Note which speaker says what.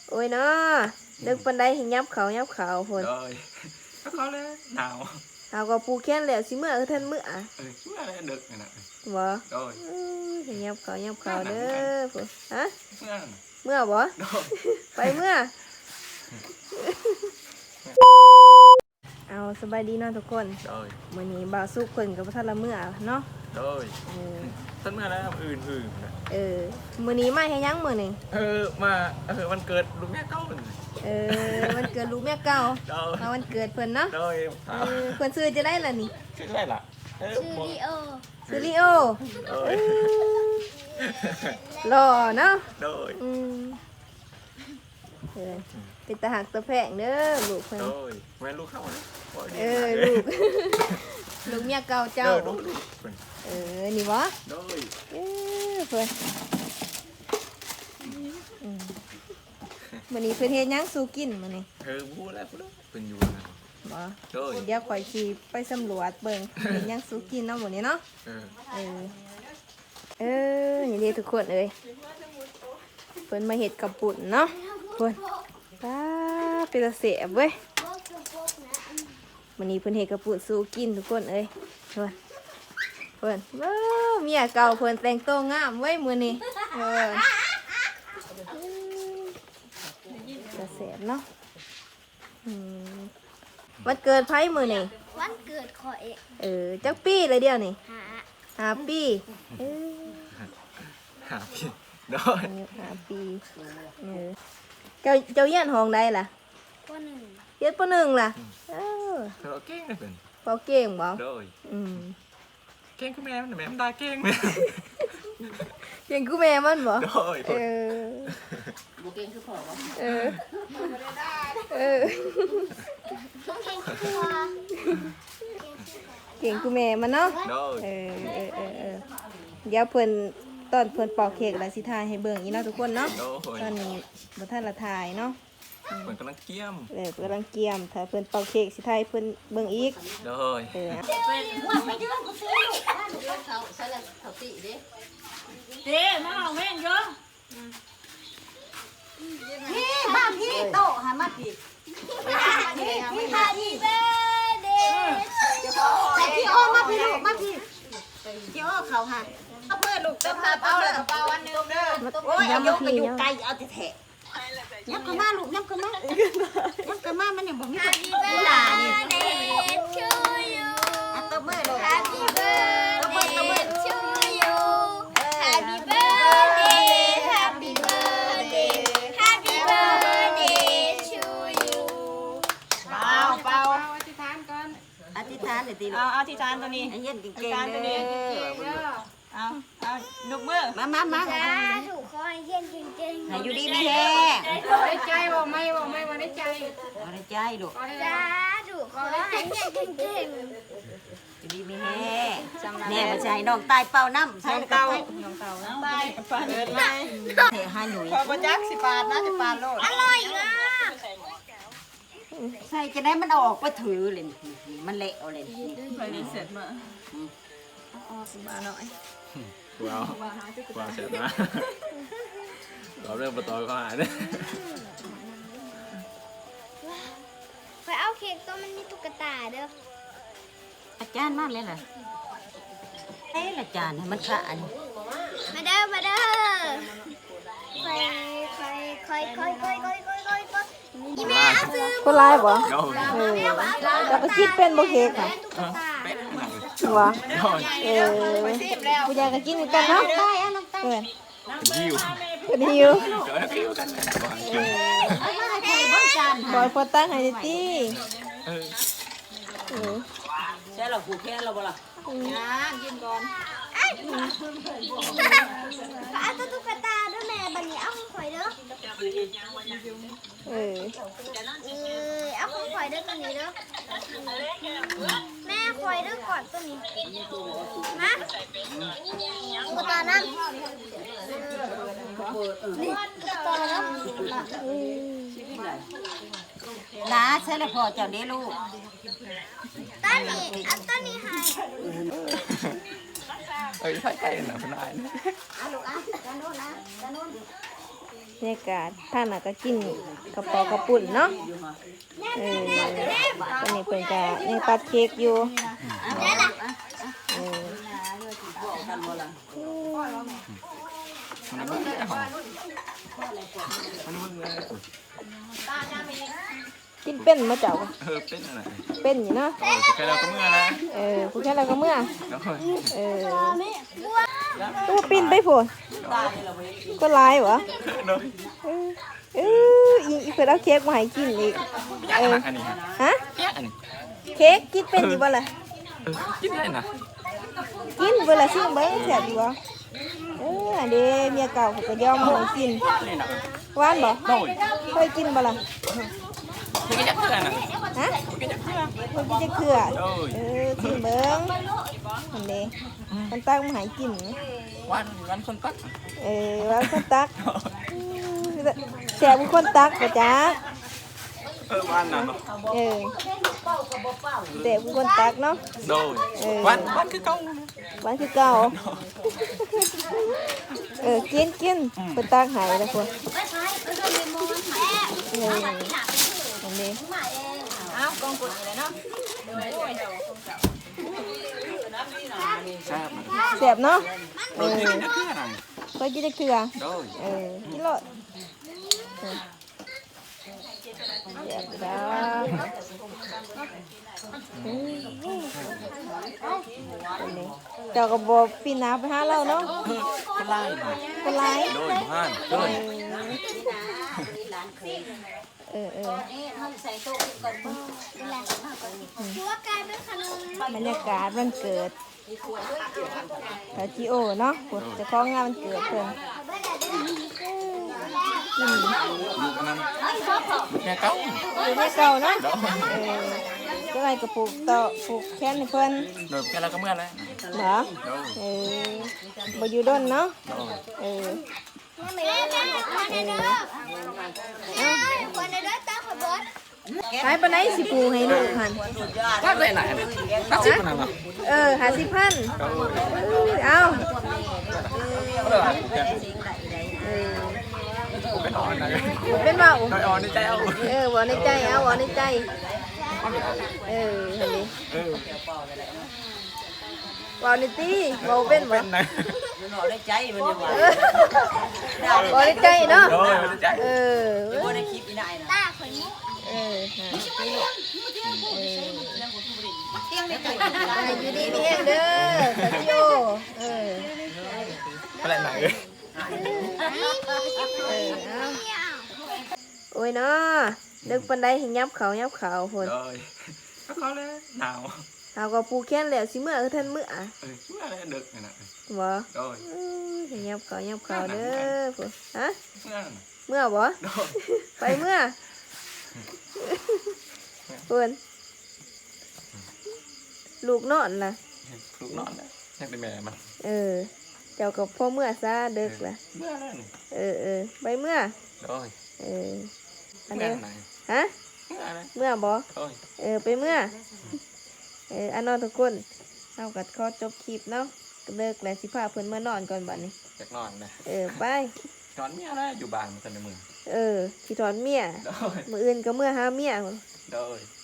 Speaker 1: โอ้ยเนาะดึกปันไดให้ยับเขาพุ่น
Speaker 2: rồiเขาเลยหนาว
Speaker 1: เอาก็ปูแค้นแล้วสิเมื่อท่านเมื่อ
Speaker 2: เมื่อไรดึกน่ะ
Speaker 1: บ่
Speaker 2: rồi
Speaker 1: ให้ยับเขาเด้อพุ่นฮะ
Speaker 2: เมื่อ
Speaker 1: บ่
Speaker 2: rồi
Speaker 1: ไปเมื่อเอาสบายดีเนาะทุกคน
Speaker 2: rồi
Speaker 1: มื้อนี้บ่าวสุกเพิ่นก็บ่ทันละเมื่อเนาะ
Speaker 2: rồi ท่านเมื่อแล้วอื่น
Speaker 1: มื้อนี้มาให้ยังมื้อนี้
Speaker 2: มาวันเกิดลุงแม่เก้าเลย
Speaker 1: วันเกิดลูกแม่เก่ามาวันเกิดเพิ่นเนาะเพิ่นซื้อจะได้ล่ะนี่
Speaker 2: ชื่ออะไรล่ะ
Speaker 1: ซื้อลิโอหล่อเนาะ
Speaker 2: rồi
Speaker 1: เป็นตาหักตะแพงเด้อลูกเพิ่น
Speaker 2: rồiแม่ลูกเข้าเลย
Speaker 1: ลูกลูกเมียเก่าเจ้านี่วะ
Speaker 2: rồi
Speaker 1: เพิ่นมื้อนี้เพิ่นเฮ็ดหยังสู่กินมื้อนี้
Speaker 2: พูดแล้วเพิ่นอยู่นะ
Speaker 1: บ่เดี๋ยวข่อยสิไปสำรวจเบิ่งเฮ็ดหยังสู่กินเนาะมื้อนี้เนาะนี่เด้ทุกคนเอ้ยเพิ่นมาเฮ็ดกับปุ่นเนาะเพิ่นป้าเป็นตาแซ่บเว้ยมื้อนี้เพิ่นเฮ็ดกับปุ่นสู่กินทุกคนเอ้ยเพิ่นเมียเก่าเพิ่นแต่งตัวงามเว้ยมื้อนี้จะแสบเนาะวันเกิดไพ่มือนี่
Speaker 3: วันเกิดขอย
Speaker 1: จักปีเลยเดียวนี่5 ปี
Speaker 2: 5 ปีได้
Speaker 1: 5 ปีเจ้าเยี่ยนห้องใดล่ะ
Speaker 3: ป.1
Speaker 1: เยี่ยนป.1ล่ะ
Speaker 2: เราเก่งเลยเป็น
Speaker 1: พอเก่งบ่
Speaker 2: เก่งคือแม่มันได้เก่งแม่
Speaker 1: เก่งคือแม่มันบ่
Speaker 4: บ่เก่งคือพ่อบ่
Speaker 1: เก่งคือแม่มันเนาะเดี๋ยวเพิ่นตอนเพิ่นปอกเค้กแล้วสิถ่ายให้เบิ่งอีเนาะทุกคนเนาะตอนนี้บ่ทันละถ่ายเนาะ
Speaker 2: เพิ่นกำลังเกี่ยม
Speaker 1: กำลังเกี่ยมถ้าเพิ่นปอกเค้กสิถ่ายเพิ่นเบิ่งอีก
Speaker 4: มาเอาแม่งเยอะ
Speaker 3: พี่บ้านพี่โตหามาพี่พี่ฮาดีเบเดแต่พี่โอมาพี่ลูกมาพี่พี่โอเขาหาเอาเพื่อลูกเติมพาเป้าเลยเป้าวันนึงเด้อโอ้ยเอาโยกไปอยู่ไกลเอาแท้ยับเข้ามาลูกยับเข้ามามันยังบ่มีคนดูหลานนี่ตบมือลูก Happy birthday to you Happy birthday Happy birthday Happy birthday to you
Speaker 4: เป่าอธิษฐานก่อน
Speaker 3: อธิษฐานเลยตีลูก
Speaker 4: อธิษฐานตัวนี้
Speaker 3: เย็นเก่งๆเลย
Speaker 4: เอายกมือ
Speaker 3: มา
Speaker 4: ถูก
Speaker 3: คอยเย็นเก่งๆ
Speaker 4: อยู่ดีมีแฮได้ใจบ่ไม่ว่าได้ใจ
Speaker 3: บ่ได้ใจลูกถูกคอยเย็นเก่งๆ
Speaker 4: อยู่ดีมีแฮ
Speaker 3: แม่บ่ใช่น้องตายเป่าน้ำใส่
Speaker 4: เต่า
Speaker 3: ตาย
Speaker 4: ปานเดินมา
Speaker 3: เทหาหนุ่ย
Speaker 4: พอบ่จักสิปาดนะจะปาดโลด
Speaker 3: อร่อยนะใส่จะได้มันเอาออกไปถือเลยมันเละเอาเลย
Speaker 4: ไปนี่เสร็จมา
Speaker 1: มาหน่อย
Speaker 2: ว้าวเสร็จนะเราเริ่มประตูก็หายเลย
Speaker 3: ไปเอาเค้กตัวมันมีตุ๊กตาเด้อ
Speaker 4: อาจารย์มากเลยเหรอ
Speaker 3: อาจารย์ให้มันขาดมาเด้อค่อยอีแม่เอาซื้อ
Speaker 1: คนร้ายบ่แล้วก็คิดเป็นบ่เค้กค่ะวะผู้ใหญ่ก็กินกันเนาะเป็นหิวบอยพอตั้งให้ตี้
Speaker 4: ใช่หรอผูกแค่เราบ่ล่ะ
Speaker 3: กินก่อนเอาตุ๊กตาด้วยแม่บัดนี้เอาของข่อยเด้อเอาของข่อยเด้อตัวนี้เด้อแม่ข่อยเด้อก่อนตัวนี้มาตุ๊กตานั่นนี่ตุ๊กตาแล้ว
Speaker 4: น้าใช่เลยพ่อเจ้าเด้ลูก
Speaker 3: ต้นนี้อันต้นนี้ให้
Speaker 2: ใช่นะพนาย
Speaker 3: ลูกด้านโน้นนะด้านโน้น
Speaker 1: บรรยากาศท่านน่ะก็กินกระเป๋ากระปุ่นเนาะตอนนี้เพิ่นก็ยังตัดเค้กอยู่เออ กินเป็นมาเจ้า
Speaker 2: เป็นอะไร
Speaker 1: เป็นอยู่เนาะ
Speaker 2: แค่เราก็เมื่อนะ
Speaker 1: ผู้แค่เราก็เมื่อ
Speaker 2: แล้ว
Speaker 1: ตัวปินไปผุนก็ลายวะอีกเพื่อนเอาเค้กมาให้กินอีก
Speaker 2: อันนี้
Speaker 1: ฮะ
Speaker 2: อันนี้
Speaker 1: เค้กกินเป็นอยู่บ่ล่ะ
Speaker 2: กินได้นะ
Speaker 1: กินเวลาชิมเบิ้งแซ่บอยู่บ่อันเด้เมียเก่าเขาก็ยอมมาให้กิน
Speaker 2: นี่นะ
Speaker 1: หวานบ่
Speaker 2: โดย
Speaker 1: เคยกินบ่ล่ะ
Speaker 2: คือกินจักเพื่อนนะ
Speaker 1: ฮะ
Speaker 2: กินจักเพื่อน
Speaker 1: เคยกินจะเกลือชิมเบิ้งอันเด้มันตั้งมาให้กิน
Speaker 2: วันคนตัก
Speaker 1: ว่าคนตักแซ่บคนตักบ่จ๊ะ
Speaker 2: วันน่ะ
Speaker 1: แซ่บคนตักเนาะ
Speaker 2: โดยวันคือเก่า
Speaker 1: หวานคือเก่ากินเป็นตักให้แล้วคนอันนี้
Speaker 3: เอากองกดเลยเนาะ
Speaker 2: แซ่บ
Speaker 1: แซ่บเนาะ
Speaker 2: กินจักเพื่อนนะ
Speaker 1: เคยกินจะเกลือ
Speaker 2: โดย
Speaker 1: กินเลยแซ่บจ้าเจ้าก็บอกปีนาไปหาเราเนาะ
Speaker 2: คนไล่
Speaker 1: เป็นไร
Speaker 2: โดยบ้านโดย
Speaker 3: ใส่โต๊ะก่อน
Speaker 1: บรรยากาศวันเกิดพาจิโอเนาะจะคล้องงานวันเกิดเพิ่น
Speaker 2: อยู่กันนั้นแค่เก่า
Speaker 1: อยู่ในเก่าเนาะก็ไรก็ปลูกต่อปลูกแค้นให้เพิ่น
Speaker 2: โดยแค่เราก็เมื่อแล้ว
Speaker 1: เหรอบ่อยู่ด้นเนาะขายปานไหนสิปลูกให้ลูกหั่น
Speaker 2: ตักได้ไหนตักสิบขนาดนั้น
Speaker 1: 50,000เอา
Speaker 2: เป็นอ่อนนะ
Speaker 1: เป็นเว้า
Speaker 2: อ่อนในใจเอา
Speaker 1: บ่ในใจเอาบ่ในใจหั่นดิเว้าในตีเว้าเป็นบ่
Speaker 2: เป็นนะ
Speaker 3: หน่อได้ใจมันยังว่า
Speaker 1: บ่ในใจเนาะ
Speaker 2: โดยในใจ
Speaker 3: บ่ได้คลิปอีนายนะ
Speaker 1: อยู่ดีมีแห้งเด้อสาธิโอ
Speaker 2: อะไรไหน
Speaker 1: โอ้ยเนาะดึกปันไดให้ยับเขาพุ่น
Speaker 2: โดยก็เขาเลยหนาว
Speaker 1: เอาก็ปูแค้นแล้วสิเมื่อคือท่านเมื่อ
Speaker 2: เมื่อไรดึกนี่นะ
Speaker 1: บ่
Speaker 2: โดย
Speaker 1: ให้ยับเขาเด้อพุ่นฮะ
Speaker 2: เมื่อ
Speaker 1: เมื่อบ่
Speaker 2: โดย
Speaker 1: ไปเมื่อพุ่นลูกนอนล่ะ
Speaker 2: ลูกนอนนะยังเป็นแม่มัน
Speaker 1: เจ้ากับพ่อเมื่อซะดึกล่ะ
Speaker 2: เมื่อแล้วนี่
Speaker 1: ไปเมื่อ
Speaker 2: โดย
Speaker 1: อัน
Speaker 2: เมื่อ
Speaker 1: นี้
Speaker 2: ไหน
Speaker 1: ฮะ
Speaker 2: เมื่ออะไร
Speaker 1: เมื่อบ่
Speaker 2: โดย
Speaker 1: ไปเมื่ออันนอนทุกคนเอากัดข้อจบคลิปเนาะเลิกแล้วสิพาเพิ่นมานอนก่อนบัดนี้
Speaker 2: อยากนอนนะ
Speaker 1: ไป
Speaker 2: นอนเมียนะอยู่บ้านมันจะในเมือง
Speaker 1: สิถอนเมีย
Speaker 2: โดย
Speaker 1: มื้ออื่นก็เมื่อหาเมียพุ่น
Speaker 2: โดย